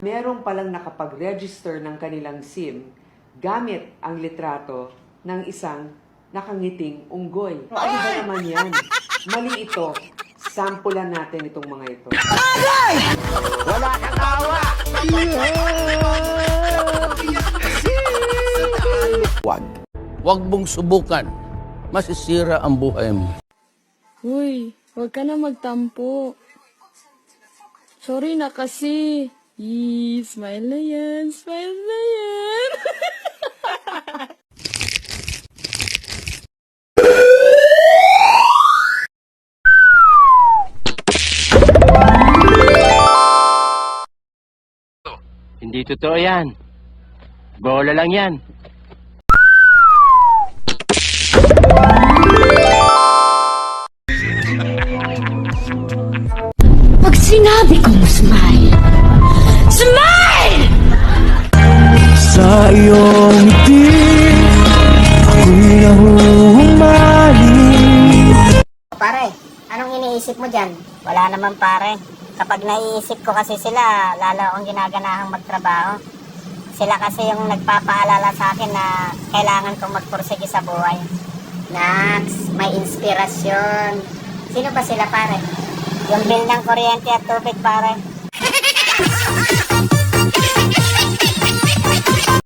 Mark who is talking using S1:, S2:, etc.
S1: Meron palang nakapag-register ng kanilang SIM gamit ang litrato ng isang nakangiting unggoy. Ano ba naman yan? Mali ito. Sampulan natin itong mga ito.
S2: Wala kang awa!
S3: Huwag mong subukan. Masisira ang buhay mo.
S4: Uy, huwag ka na magtampo. Sorry na kasi. Yee, smile na yan, smile na yan.
S2: Hindi totoo yan. Bola lang yan.
S5: Pag sinabi kong smile, smile!
S6: Sa iyong ngiti, ako'y nahuhumaling.
S7: Pare, anong iniisip mo dyan? Wala naman pare. Kapag naiisip ko kasi sila, lalo akong ginaganahang magtrabaho. Sila kasi yung nagpapaalala sa akin na kailangan kong magpursige sa buhay. Nax, may inspirasyon. Sino ba sila pare? Yung bill ng kuryente at tubig pare.